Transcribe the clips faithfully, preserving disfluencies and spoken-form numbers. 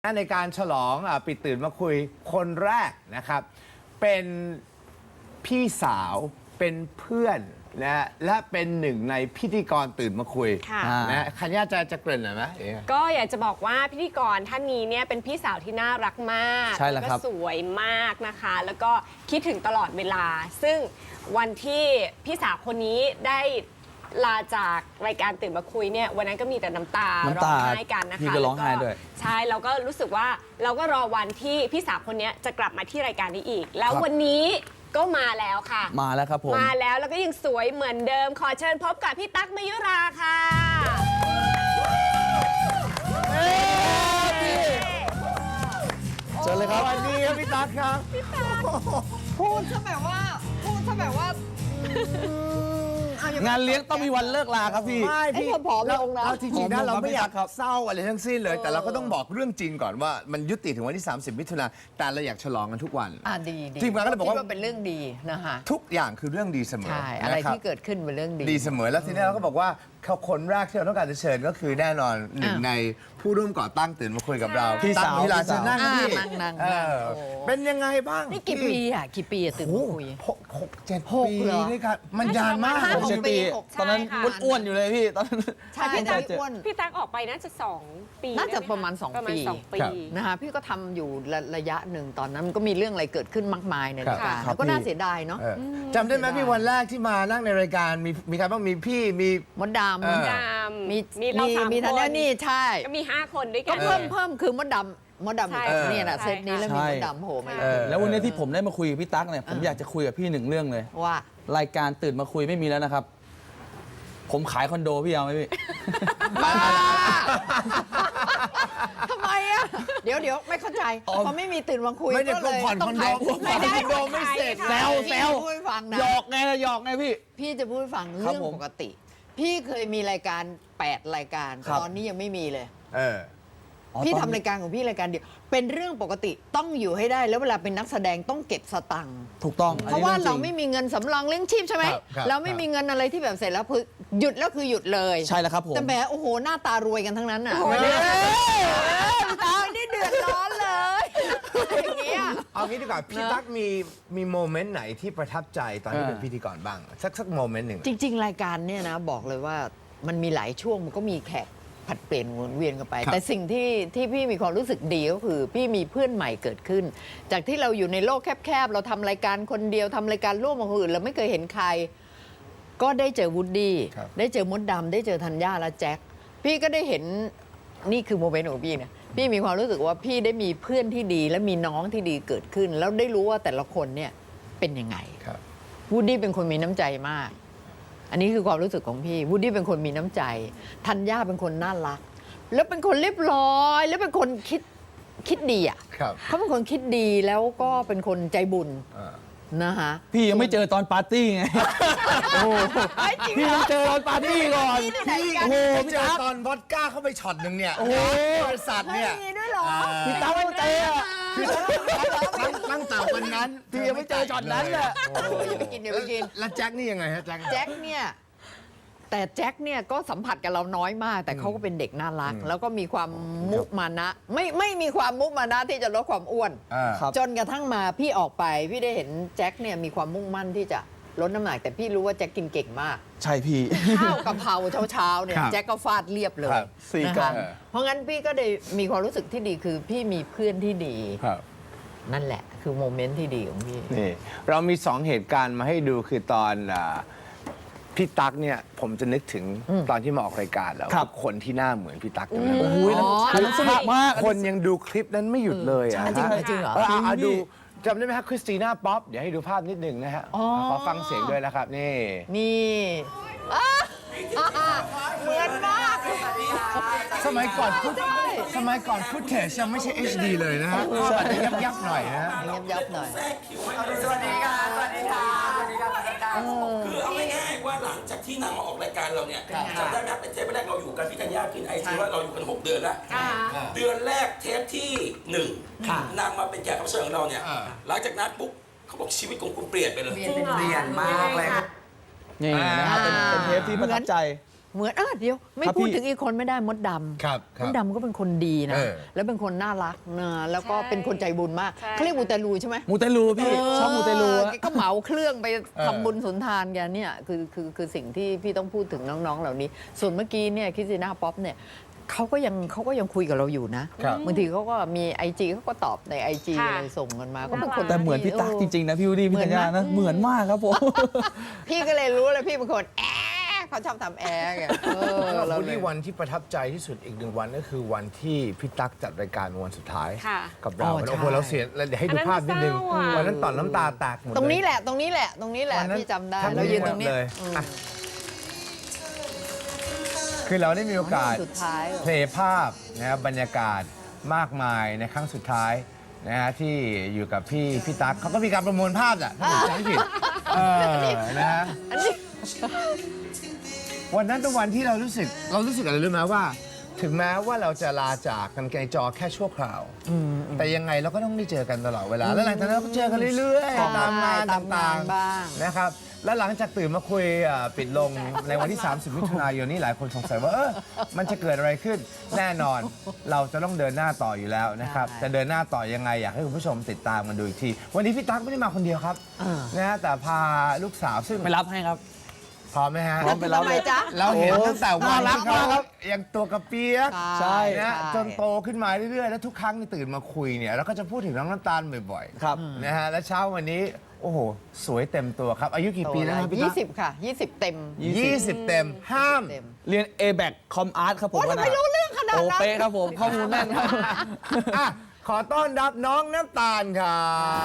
ในการฉลองอปิดตื่นมาคุยคนแรกนะครับเป็นพี่สาวเป็นเพื่อนนะและเป็นหนึ่งในพิธีกรตื่นมาคุยนะคัญญาจะจะเกริ่นหน่อยไหมก็อยากจะบอกว่าพิธีกรท่านนี้เนี่ยเป็นพี่สาวที่น่ารักมากใช่แล้วครับก็สวยมากนะคะแล้วก็คิดถึงตลอดเวลาซึ่งวันที่พี่สาวคนนี้ได้ลาจากรายการตื่นมาคุยเนี่ยวันนั้นก็มีแต่น้ำตาร้องไห้กันนะคะพี่ก็ร้องไห้ด้วยใช่เราก็รู้สึกว่าเราก็รอวันที่พี่สาวคนนี้จะกลับมาที่รายการนี้อีกแล้ววันนี้ก็มาแล้วค่ะมาแล้วครับผมมาแล้วแล้วก็ยังสวยเหมือนเดิมขอเชิญพบกับพี่ตั๊กมยุราค่ะเชิญเลยครับสวัสดีครับพี่ตั๊กครับพูดซะแบบว่าพูดซะแบบว่างานเลี้ยงต้องมีวันเลิกลาครับพี่ไม่พี่ผอมลงนะจริงๆนะเราไม่อยากครับเศร้าอะไรทั้งสิ้นเลยแต่เราก็ต้องบอกเรื่องจริงก่อนว่ามันยุติถึงวันที่สามสิบมิถุนายนแต่เราอยากฉลองกันทุกวันอ่าดีดีทีมงานก็เลยบอกว่าเป็นเรื่องดีนะคะทุกอย่างคือเรื่องดีเสมอใช่อะไรที่เกิดขึ้นเป็นเรื่องดีดีเสมอแล้วทีนี้เราก็บอกว่าเขาคนแรกที่เราต้องการจะเชิญก็คือแน่นอนหนึ่งในผู้ร่วมก่อตั้งตื่นมาคุยกับเราพี่สาวเวลาเชิญนั่งพี่นั่งนั่งเออเป็นยังไงบ้างนี่กี่ปีอ่ะกี่ปีอะตื่นมาคุยหกหกเจ็ดหกปีเหรอนี่ครับมันยานมากห้าผมเชหกปีหกตอนนั้นใช่ค่ะอ้วนๆอยู่เลยพี่ตอนนั้นใช่พี่ตั๊กอ้วนพี่ตั๊กออกไปน่าจะสองปีน่าจะได้ไหประมาณสองประมาณปีสองปีนะคะพี่ก็ทำอยู่ระระยะหนึ่งตอนนั้นมันก็มีเรื่องอะไรเกิดขึ้นมากมายในรายการครับแล้วก็น่าเสียดายเนาะเออจำได้ไหมพี่วันแรกที่มานั่งในรายการมีมีใครบ้างมีพี่มีมดดำเออดำมีมีเราสามมีคทันนนี่ใช่ก็มีห้าคนด้วยกัก็นเพิ่มเพิ่มคือมดดำมดดำใช่อีกเนี่ยนะใช่เซตนี้แล้วมีใช่มดดำโผล่มาเออแล้ววันนี้ที่ผมได้มาคุยกับพี่ตั๊กเนี่ยผมอ่าอยากจะคุยกับพี่หนึ่งเรื่องเลยว่ารายการตื่นมาคุยไม่มีแล้วนะครับ ผมขายคอนโดพี่เอาไหมพี่ทำไมอ่ะเดี๋ยวเดี๋ยวไม่เข้าใจพอไม่มีตื่นมาคุยไม่ได้ก็เลยผ่อนต้คออง นโดขายผ่อนไม่ได้คอนโดไม่เสร็จแซวแซวพี่จะพูดให้ฟังนะหยอกไงล่ะหยอกไงพี่พี่จะพูดให้ฟังครัเรื่บองผมปกติ พี่เคยมีรายการแปดรายการครับตอนนี้ยังไม่มีเลยเอออ๋อพี่ตทำอนนี้รายการของพี่รายการเดียวเป็นเรื่องปกติต้องอยู่ให้ได้ แล้วเวลาเป็นนักแสดงต้องเก็บสตังค์ถูกต้องเพราะว่าอันนี้เราองจงไม่มีเงินสำรองเลี้ยงชีพใช่ไหมครับครับเราไม่มีเงินอะไรที่แบบเสร็จแล้วคือหยุดแล้วคือหยุดเลยใช่แล้วครับผมแต่แหมโอ้โหหน้าตารวยกันทั้งนั้นอ่ะโอ้ยเฮ้ยตานี่เดือดร้อนเลยอย่างเงี้ยเอางี้ดีกว่าพี่ตั๊กมีมีโมเมนต์ไหนที่ประทับใจตอนที่เออเป็นพิธีกรบ้าง สักสักโมเมนต์หนึ่งจริง ๆ รายการเนี่ยนะบอกเลยว่ามันมีหลายช่วงมันก็มีแขกผัดเปลี่ยนวนเวียนกันไปครับแต่สิ่งที่ที่พี่มีความรู้สึกดีก็คือ พี่มีเพื่อนใหม่เกิดขึ้น จากที่เราอยู่ในโลกแคบๆ เราทำรายการคนเดียวทำรายการร่วมกับคนอื่นเราไม่เคยเห็นใคร ก็ได้เจอวูดดี้ครับได้เจอมดดำได้เจอธัญญาและแจ็คพี่ก็ได้เห็นนี่คือโมเมนต์ของพี่นะพี่มีความรู้สึกว่าพี่ได้มีเพื่อนที่ดี และมีน้องที่ดีเกิดขึ้น แล้วได้รู้ว่าแต่ละคนเนี่ยเป็นยังไงครับวูดดี้เป็นคนมีน้ำใจมาก อันนี้คือความรู้สึกของพี่ วูดดี้เป็นคนมีน้ำใจ ธัญญาเป็นคนน่ารัก แล้วเป็นคนเรียบร้อย แล้วเป็นคนคิดคิดดีอ่ะครับเขาเป็นคนคิดดีแล้วก็เป็นคนใจบุญอ่านะคะพี่ยังไม่เจอตอนปาร์ตี้ไง โอ้โหไอ้จริงพี่เหรต้อองเจอตอนปาร์ตี้ก่อนพี่ที่ไหนกันโอ้โหไปพี่เจอตั๊กตอนวอดก้าเข้าไปช็อตหนึ่งเนี่ยโอ้โหบริษัทเนี่ยมีด้วยเหรอพี่ตั๊กไม่เจออะคือตั้งตั้งแต่วันนั้นพี่ยังไม่เจอช็อตนั้นแหละโอ้ยอย่าไปกินอย่าไปกินแล้วแจ็คนี่ยังไงฮะแจ็คแจ็คเนี่ยแต่แจ็คเนี่ยก็สัมผัสกับเราน้อยมาก แต่เขาก็เป็นเด็กน่ารักอืมแล้วก็มีความมุมานะ ไม่ไม่มีความมุมานะที่จะลดความอ้วนอ่าครับจนกระทั่งมาพี่ออกไป พี่ได้เห็นแจ็คเนี่ยมีความมุ่งมั่นที่จะลดน้ำหนัก แต่พี่รู้ว่าแจ็คกินเก่งมากใช่พี่ข้าวกะเพราเช้าๆเนี่ยครับแจ็คก็ฟาดเรียบเลยครับสี่นะกล่อคะงเพราะงั้นพี่ก็ได้มีความรู้สึกที่ดีคือพี่มีเพื่อนที่ดีครับนั่นแหละ คือโมเมนต์ที่ดีของพี่นี่เรามีสองเหตุการณ์มาให้ดูคือตอนอ่าพี่ตั๊กเนี่ยผมจะนึกถึงตอนที่มาออกรายการแล้วครับคนที่หน้าเหมือนพี่ตั๊กจำได้ไหมโอ้ยนั่นอ๋ออัอันนั้นสนุกมากคนยังดูคลิปนั้นไม่หยุดเลยอ่ะจริงเหรอฮะจริงเหรอเออเอาเอาจริงพี่ดูจำได้ไหมครับคริสติน่าป๊อปเดี๋ยวให้ดูภาพนิดหนึ่งนะฮะอ๋อขอฟังเสียงด้วยนะครับนี่นี่อ่ะอ่ะเหมือนมากสมัยก่อนฟุตสมัยก่อนฟุตเทจยังไม่ใช่ เอช ดี เลยนะฮะภาพอาจจะยับยับๆหน่อยนะฮะยับยับๆหน่อยสวัสดีค่ะ สวัสดีค่ะ สวัสดีค่ะคือเอาง่ายๆว่าหลังจากที่นางมาออกรายการเราเนี่ยจำได้ไหมครับเป็นเทปแรกเราอยู่กันพี่ธัญญากินไอซีว่าเราอยู่กันหกเดือนแล้ว เดือนแรกเทปที่หนึ่งนางมาเป็นแขกรับเชิญของเราเนี่ย หลังจากนั้นปุ๊บเขาบอกชีวิตของคุณเปลี่ยนไปเลยเปลี่ยนเปลี่ยนมากเลยนี่นะฮะเป็นเป็นเทปที่ประทับใจเหมือนอ่ะเดี๋ยวไม่ครับพูดพี่ถึงอีกคนไม่ได้มดดำครับคมรัดบดำก็เป็นคนดีนะเออแล้วเป็นคนน่ารักนะแล้วก็ใช่เป็นคนใจบุญมากใช่เขาเรียกมูเตลูใช่ไหมมูเตลูพี่ชอบมูเตลูเอออะแกก็เหมาเครื่องไปเออทำบุญสุนทานแกเนี่ยคือคือคือสิ่งที่พี่ต้องพูดถึงน้องๆเหล่านี้ ส่วนเมื่อกี้เนี่ยคริสติน่าป๊อปเนี่ยเขาก็ยังเขาก็ยังคุยกับเราอยู่นะครับ บางทีเขาก็มีไอจีเขาก็ตอบในไอจีค่ะอะไรส่งกันมาก็เป็นคนแต่เหมือนพี่ตั๊กจริงๆนะพี่วูดดี้พี่ธัญญานะเหเหมืมืออน นไหมมากครับผมพี่ก็เลยรู้เลยพี่เป็นคนแอะเขาชอบทำแอะไงเออแล้วเราวันเลยที่วันที่ประทับใจที่สุดอีกหนึ่งวันก็คือวันที่พี่ตั๊กจัดรายการวันสุดท้ายค่ะกับเราอ๋อใช่โอ้โหเราเสียแล้วเดี๋ยวให้ดูภาพนิดนึงอันนั้นเศร้าอะวันนั้นต่อนน้ำตาแตกหมดตรงนี้เลยแหละตรงนี้แหละตรงนี้แหละวันนั้นพี่จำได้แทบเรายืนไม่ตรงนี้เลยอืมอ่ะคือเราได้มีโอกาสสุดท้ายเพลย์ภาพนะครับบรรยากาศมากมายในครั้งสุดท้ายนะฮะที่อยู่กับพี่พี่ตั๊กเขาก็มีการประมวลภาพอ่ะถ้าผมจำไม่ผิดเออนะฮะอันนี้วันนั้นเป็นวันที่เรารู้สึกเรารู้สึกอะไรรู้ไหมว่า ถึงแม้ว่าเราจะลาจากกันไกลจอแค่ชั่วคราว แต่ยังไงเราก็ต้องได้เจอกันตลอดเวลา แล้วหลังจากนั้นเราก็เจอกันเรื่อยๆตามงานตามงาต่าน งบ้างๆนะครับ แล้วหลังจากตื่นมาคุยอ่ะปิดลงในวันที่ สามสิบ มิถุนายนนี้หลายคนสงสัยว่าเออมันจะเกิดอะไรขึ้นแน่นอน เราจะต้องเดินหน้าต่ออยู่แล้วนะครับจะเดินหน้าต่อยังไงอยากให้คุณผู้ชมติดตามกันดูอีกที วันนี้พี่ตั๊กไม่ได้มาคนเดียวครับเออนะฮะแต่พาลูกสาวซึ่งไปรับให้ครับพร้อมไหมฮะพร้อมไปรับทำไมจ๊ะเราเห็นตั้งแต่วันน่ารักที่เขามากครับยังตัวกระเปียกใช่นะใช่จนโตขึ้นมาเรื่อยๆ แล้วทุกครั้งที่ตื่นมาคุยเนี่ยเราก็จะพูดถึงน้องน้ำตาลบ่อยครับๆนะฮะและเช้าวันนี้ โอ้โห สวยเต็มตัวครับ อายุกี่ปีแล้วครับพี่ยี่ตั๊กสิบค่ะยี่สิบเต็มยี่สิบเต็มห้ามเต็มเรียน เอ แบค คอมอาร์ตครับผมโอ้ทำไมรู้เรื่องขนาดนั้นโอเป๊ะครับผมข้อมูลแน่นครับอ่ะขอต้อนรับน้องน้ำตาลครับ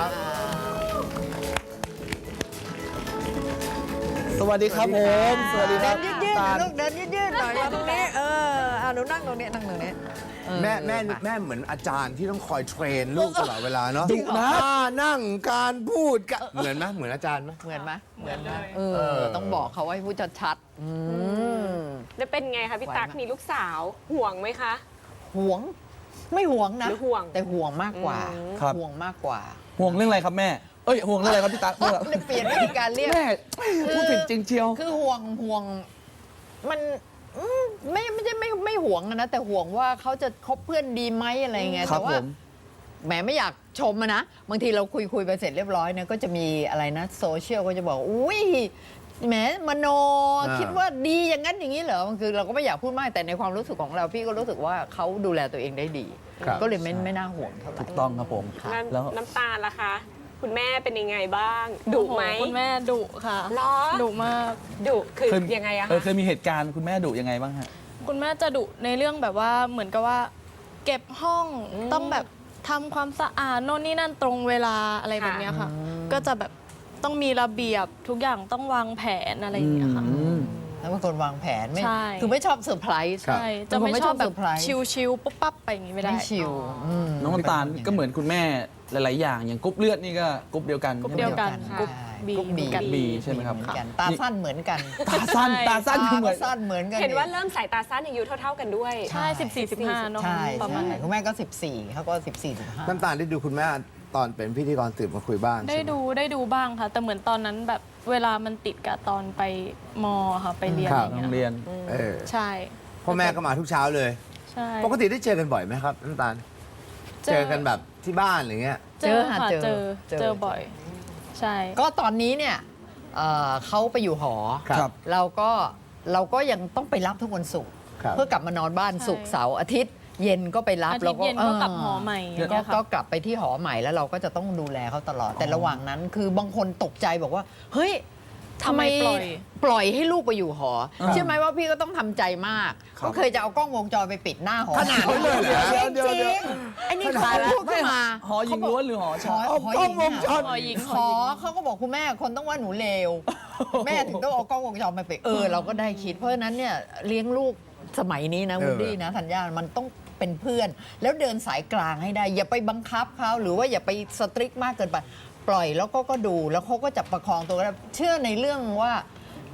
สวัสดีครับผม สวัสดีคเดิรับนยืดๆหน่อยลูกเดินยืดๆหน่อยตรงนี้เอออ่ะหนูนั่งตรงนี้นั่งตรงนี้เออแม่แม่แม่เหมือนอาจารย์ที่ต้องคอยเทรนลูกตลอดเวลาเนาะดุนะท่านั่งการพูดกันเหมือนไหมเหมือนอาจารย์ไหมเหมือนไหมเหมือนไหมเอเอออต้องบอกเขาไว้พูดชัดๆอืมแล้วเป็นไงคะพี่ตั๊กไหวไหมมีลูกสาวห่วงไหมคะห่วงไม่ห่วงนะหรือห่วงแต่ห่วงมากกว่าครับห่วงมากกว่าห่วงเรื่องอะไรครับแม่ เอ้ยห่วงเรื่องอะไรครับพี่ตั๊กเลยเปลี่ยนวิธีการเรียกแม่พูดผิดจริงเชียวคือห่วงห่วงมันอืมไม่ไม่ใช่ไม่ไม่ห่วงอะนะแต่ห่วงว่าเขาจะคบเพื่อนดีไหมอะไรเงี้ยครัแต่บว่าผมแหมไม่อยากชมอะนะบางทีเราคุยคุยไปเสร็จเรียบร้อยเนี่ยก็จะมีอะไรนะโซเชียลก็จะบอกอุ้ยแหมมโนอ่าคิดว่าดีอย่างนั้นอย่างนี้เหรอคือเราก็ไม่อยากพูดมากแต่ในความรู้สึกของเราพี่ก็รู้สึกว่าเขาดูแลตัวเองได้ดีครับก็เลยไม่ไม่น่าห่วงเท่าไหร่ถูกต้องครับผมนั่นแล้วน้ำตาลล่ะคะ คุณแม่เป็นยังไงบ้างดุไหมโอ้โคุณแม่ดุค่ะเหรอดุมากดุคือเคยยังไงอะเออคะเคยมีเหตุการณ์คุณแม่ดุยังไงบ้างฮะคุณแม่จะดุในเรื่องแบบว่าเหมือนกับว่า เก็บห้องต้องแบบทำความสะอาดโน่นนี่นั่นตรงเวลาอะไรแบบเนี้ยค่ะ ก็จะแบบต้องมีระเบียบทุกอย่างต้องวางแผนอะไรอย่างเงี้ยค่ะแล้วเป็นคนวางแผนไม่ใช่คือไม่ชอบเซอร์ไพรส์ใช่จะไม่เป็นคนไม่ชชออบบ แบบเซอร์ไพรส์ชิลๆปุ๊บปั๊บไปอย่างงี้ไม่ได้ไม่ชิลมน้องน้ำตาลก็เหมือนคุณแม่หลาย ๆ อย่างอย่างกรุ๊ปเลือดนี่ก็กรุ๊ปเดียวกันกรุ๊ปใช่ไหมเดียวกันครับกรุ๊ป บีกรุ๊ปบีกันบีใช่ไหมครับเหมือนกันตาสั้นเหมือนกันตาสั้นตาสั้นตาเหมืก็อนสั้นเหมือนกันเห็นว่าเริ่มสายตาสั้นอายุเท่า ๆกันด้วยใช่สิบสี่สิบห้าเนาะใช่ประมาณใช่นั้นคุณแม่ก็สิบสี่เขาก็สิบสี่สิบห้าน้ำตาลได้ดูคุณแม่ตอนเป็นพิธีกรตื่นมาคุยบ้างได้ใช่หมดูได้ดูบ้างค่ะ แต่เหมือนตอนนั้นแบบเวลามันติดกับตอนไปมค่ะไปเรียนคอรับย่างโรเงี้งยเรียนเออใช่พ่อแม่ก็มาทุกเช้าเลยใช่ปกติได้เจอกันบ่อยไหมครับน้ำตาล เจอกันแบบที่บ้านอะไรเงี้ยเจอค่ะเจเจออเจอเจอบ่อย ใช่ก็ตอนนี้เนี่ยเอ่อเขาไปอยู่หอครับเราก็เราก็ยังต้องไปรับทุกวันศุกร์ครับเพื่อกลับมานอนบ้านใช่ศุกร์เสาร์อาทิตย์ เย็นก็ไปรับอาทิแล้ตวย์เย็นก็กลับหอใหม่อย่างก็เงี้ยค่ะก็กลับไปที่หอใหม่แล้วเราก็จะต้องดูแลเขาตลอด แต่ระหว่างนั้นคือบางคนตกใจบอกว่า เฮ้ยทำไมทำไมปล่อยปล่อยให้ลูกไปอยู่หออ่าเชื่อไหมว่าพี่ก็ต้องทำใจมากครับก็เคยจะเอากล้องวงจรไปปิดหน้าหอขนาดนั้นเลยเหรอจริงเดี๋ยวจเดี๋ริยวงไอ้นี่เขาก็พูดขึ้นมาหอหญิงล้วนหรือหอหชาอย หอหญิงกล้องวงจรหอหญิงขอเขาก็บอกคุณแม่คนต้องว่าหนูเลว แม่ถึงต้องเอากล้องวงจรมาไปดเออเราก็ได้คิด เพราะฉะนั้นเนี่ยเลี้ยงลูกสมัยนี้นะเออวูดดี้นะธัญญามันต้องเป็นเพื่อน แล้วเดินสายกลางให้ได้ อย่าไปบังคับเขาหรือว่าอย่าไปสตริกมากเกินไป ปล่อยแล้วก็ก็ดูแล้วเขาก็จะประคองตัวได้เชื่อในเรื่องว่า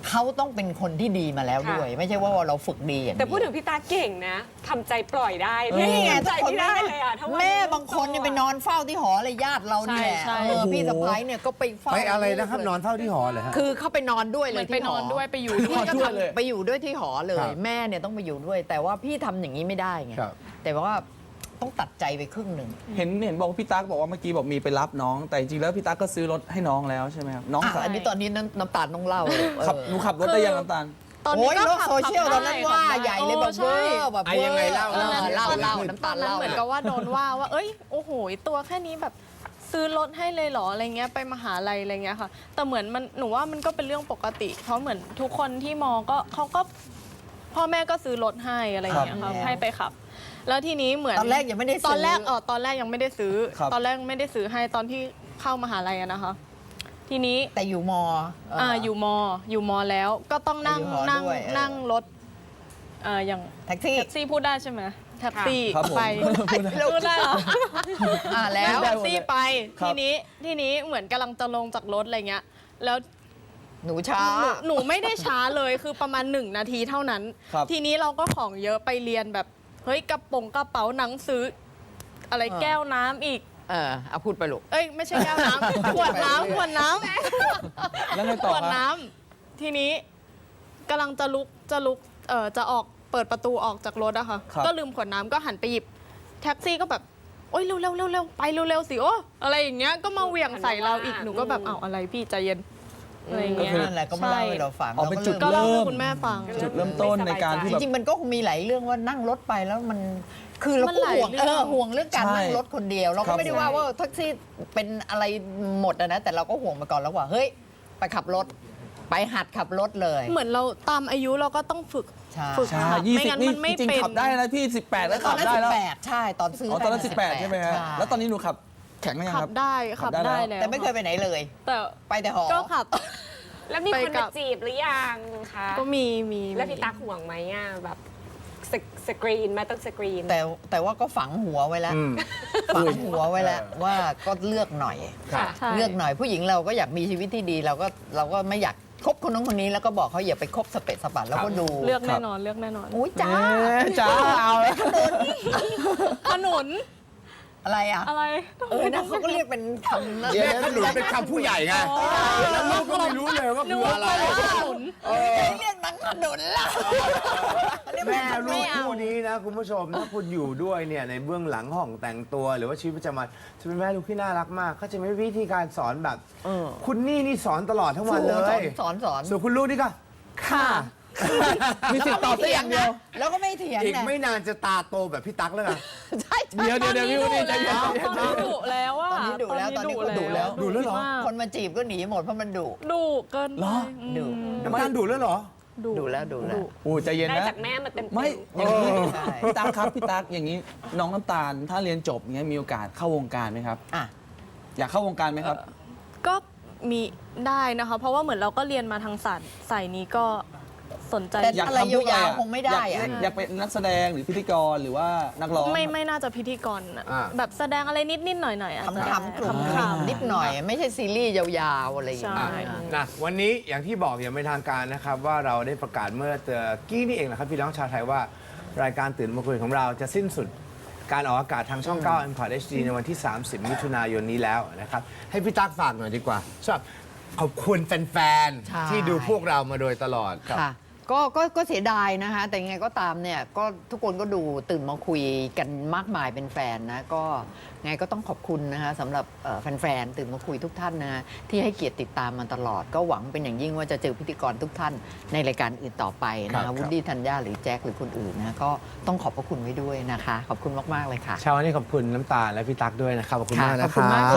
เขาต้องเป็นคนที่ดีมาแล้วด้วย ไม่ใช่ว่าเราฝึกดีอย่างแต่นี้พูดถึงพี่ตาเก่งนะทำใจปล่อยได้นี่ไงทำใจถ้าคนไม่ได้เลยอะถ้าวันแม่บางคนเนี่ยไปนอนเฝ้าที่หอเลยญาติเราเนี่ยใช่เออพี่สะพ้ายเนี่ยก็ไปเฝ้าไปอะไรนะครับนอนเฝ้าที่หอเลยฮะคือเขาไปนอนด้วยเหเลมือย นที่ไปหนอนด้วยไปอยู่ด้พี่วยก็ด้วยเลยทำไปอยู่ด้วยที่หอเลครัยบแม่เนี่ยต้องไปอยู่ด้วย แต่ว่าพี่ทำอย่างนี้ไม่ได้ไงครับแต่ว่าต้องตัดใจไปครึ่งหนึ่งเห็นเห็นบอกว่าพี่ตั๊กบอกว่าเมื่อกี้บอกมีไปรับน้อง แต่จริงๆแล้วพี่ตั๊กก็ซื้อรถให้น้องแล้วใช่ไหมครับน้องอ่ะขับอันนี้ตอนนี้น้ำน้ำตาลต้องเล่าเลยขับหนูขับรถได้ยังน้ำตาลตอนโอ้นี้ยก็โลกขับโซเชียลตอนนั้นว่าขับได้ใหญ่เลยแบบโอ้เวอใช่ร์แบบอ่ะเวอร์ยังไงเล่าออเล่าเล่าเล่าเล่าน้ำตตาอลนนั้นเล่าเหมือนกับว่าโดนว่าว่า เอ้ย โอ้โห ตัวแค่นี้แบบซื้อรถให้เลยเหรออะไรเงี้ย ไปมหาลัยอะไรเงี้ยค่ะ แต่เหมือนมันหนูว่ามันก็เป็นเรื่องปกติ เพราะเหมือนทุกคนที่มอก็เขาก็พ่อแม่ก็ซื้อรถให้อะไรเงี้ยครัค่ะบให้ไปขับ แล้วทีนี้เหมือนตอนแรกยังไม่ได้ซื้อตอนแรกเออตอนแรกยังไม่ได้ซื้อครับตอนแรกไม่ได้ซื้อให้ตอนที่เข้ามหาลัยอะนะคะ ทีนี้แต่อยู่มอเอ่าอยู่มอยู่มอแล้วก็ต้องนั่งอยู่หอนั่งด้วยเออนั่งรถอ่าอย่างแท็กซี่แท็กซี่พูดได้ใช่ไหมแท็กซี่ครับผมไปพูดได้พูดได้เหรออ่าแล้วแท็กซี่ไปครับทีนี้ทีนี้เหมือนกำลังจะลงจากรถอะไรเงี้ยแล้วหนูช้าหนูหนูไม่ได้ช้าเลยคือประมาณหนึ่งนาทีเท่านั้นครับทีนี้เราก็ของเยอะไปเรียนแบบเฮ้ยกระโปรงกระเป๋าหนังสือ อะไรเออแก้วน้ำอีกเออเอาพูดไปลูกเอ้ยไม่ใช่แก้วน้ำ ขวดน้ำขวดน้ำแล้วไงขต่อวดครับน้ำทีนี้กำลังจะลุกจะลุกเอ่อจะออกเปิดประตูออกจากรถอะค่ะครับก็ลืมขวดน้ำก็หันไปหยิบแท็กซี่ก็แบบโอ๊ยเร็วเร็วเร็วเร็วไปเร็วเร็วสิโอ้อะไรอย่างเงี้ยก็มาเหวี่ยงใส่เราอีกหนูก็แบบอ้าวอะไรพี่ใจเย็นอะไรอย่างก็เงี้ยคือนั่นแหละก็มาเล่าให้เราฟังอ๋อเป็นจุดก็เล่าให้เริ่มคุณแม่ฟังจุดเริ่มต้นในการที่จแบบริงๆมันก็คงมีหลายเรื่องว่านั่งรถไปแล้วมันคือเรามันก็หลายห่วงเรื่เอองอห่วงเรื่องการใช่นั่งรถคนเดียว เราครัก็บไม่ได้ว่าว่าแท็กซี่เป็นอะไรหมดอะนะแต่เราก็ห่วงมาก่อนแล้วว่าเฮ้ยไปขับรถ ไปหัดขับรถเลยเหมือนเราตามอายุเราก็ต้องฝึกใช่ฝึกใช่ขับยี่ไม่สิบงั้นนี่มันไม่จริงเป็นๆขับได้แล้วพี่สิบแปดแล้วตอขันบนั้นได้สิแล้วบแปดใช่ตอนซื้ออ๋อตอนนั้นได้สิบแปดใช่ไหมฮะใช่แล้วตอนนี้หนูขับแข็งไหมยังขัครับ บได้ขับขับได้ได้แล้วแล้วแต่ไม่เคยไปไหนเลยแต่ไปแต่หอก็ขับแล้วมีคนไปกัมาบจีบหรือยังคะก็มีมีแล้วพี่ตั๊กห่วงไหมอ่ะแบบสกสกรีนไหมาต้องสกรีนแต่แต่ว่าก็ฝังหัวไว้แล้วอืมฝังหัวไว้แล้วว่าก็เลือกหน่อยครับใช่เลือกหน่อยผู้หญิงเราก็อยากมีชีวิตที่ดีเราก็เราก็ไม่อยากคบคนนู้นคนนี้แล้วก็บอกเขาอย่าไปคบสเปะสปะแล้วก็ดูเลือกแน่นอนเลือกแน่นอนอุ้ยจ้าจ้าเอาแล้วขนุนอะไรอ่ะอะไรเออนะเขาก็เรียกเป็นคำนะแม่ขนุนเป็นคำผู้ใหญ่ไงแล้วลูกก็ไม่รู้เลยว่าคืออะไรขนุนเรียกนังขนุนล่ะแม่ลูไม่กเอาคู่นี้นะคุณผู้ชมถ้าคุณอยู่ด้วยเนี่ยในเบื้องหลังห้องแต่งตัวหรือว่าชีวิตประจำวันจะเป็นแม่ลูกที่น่ารักมากเขาจะมีวิธีการสอนแบบเออคุณนี่นี่สอนตลอดทั้งวันเลสอย นสอนสอนส่วนคุณลูกนี่ก็ค่ะมีสิทธิ์ตอบได้อย่างเดียวแล้วก็ไม่เถียงอีกนะไม่นานจะตาโตแบบพี่ตั๊กแล้วนะใช่ใช่เดี๋ยวเดี๋ยวเดี๋ยวพี่วุฒิใจเย็นตอนนี้ดุแล้วอะตอนนี้ดุแล้วตอนนี้ก็ดุแล้วดุแล้วเหรอมากคนมาจีบก็หนีหมดเพราะมันดุดุเกินเหรอไปดุน้ำตาลดุแล้วเหรอดุดุแล้วดุแล้วโอ้ใจเย็นได้นะจากแม่มาเต็มๆไม่อย่างนี้ใช่พี่ตั๊กครับพี่ตั๊กอย่างนี้น้องน้ำตาลถ้าเรียนจบอย่างเงี้ยมีโอกาสเข้าวงการไหมครับอ่ะอยากเข้าวงการไหมครับก็มีได้นะคะ เพราะว่าเหมือนเราก็เรียนมาทางสายสายนี้ก็สนใจแต่อยากอะไรทำพวกยาวอะๆคงไม่ได้อะอยากอยากเป็นนักแสดงหรือพิธีกรหรือว่านักร้องไม่ไม่น่าจะพิธีกรอะอ่าแบบแสดงอะไรนิดนิดๆหน่อยหน่อยๆอาจจะคำๆกลุ่มขำคำนิดหน่อย ไม่ใช่ซีรีส์ยาวๆอะไรอย่างใช่เงี้ยนะวันนี้อย่างที่บอกอย่างเป็นทางการนะครับ ว่าเราได้ประกาศเมื่อเตอกี้นี่เองนะครับพี่น้องชาวไทยว่ารายการตื่นมาคุยของเราจะสิ้นสุดการออกอากาศทางช่อง เก้า M คอร์ด เอช ดี ในวันที่ สามสิบ มิถุนายนนี้แล้วนะครับ ให้พี่ตั๊กฝากหน่อยดีกว่าสำหรับขอบคุณแฟนใช่ๆ ที่ดูพวกเรามาโดยตลอดครับค่ะก็ก็ก็เสียดายนะคะ แต่ยังไงก็ตามเนี่ยก็ทุกคนก็ดูตื่นมาคุยกันมากมายเป็นแฟนนะก็ไงก็ต้องขอบคุณนะคะสำหรับเอ่อแฟนๆตื่นมาคุยทุกท่านนะที่ให้เกียรติติดตามมาตลอด ก็หวังเป็นอย่างยิ่งว่าจะเจอพิธีกรทุกท่านในรายการอื่นต่อไปนะครัคะบวุฒิธัญญาหรือแจ็คหรือคนอื่นนะก็ต้องขอบพระคุณไว้ด้วยนะคะ ขอบคุณมากๆเลยค่ะเช้าวันนี้ขอบคุณน้ำตาลและพี่ตั๊กด้วยนะครับขอบคุณมากนะขอบคคุณรัมากบ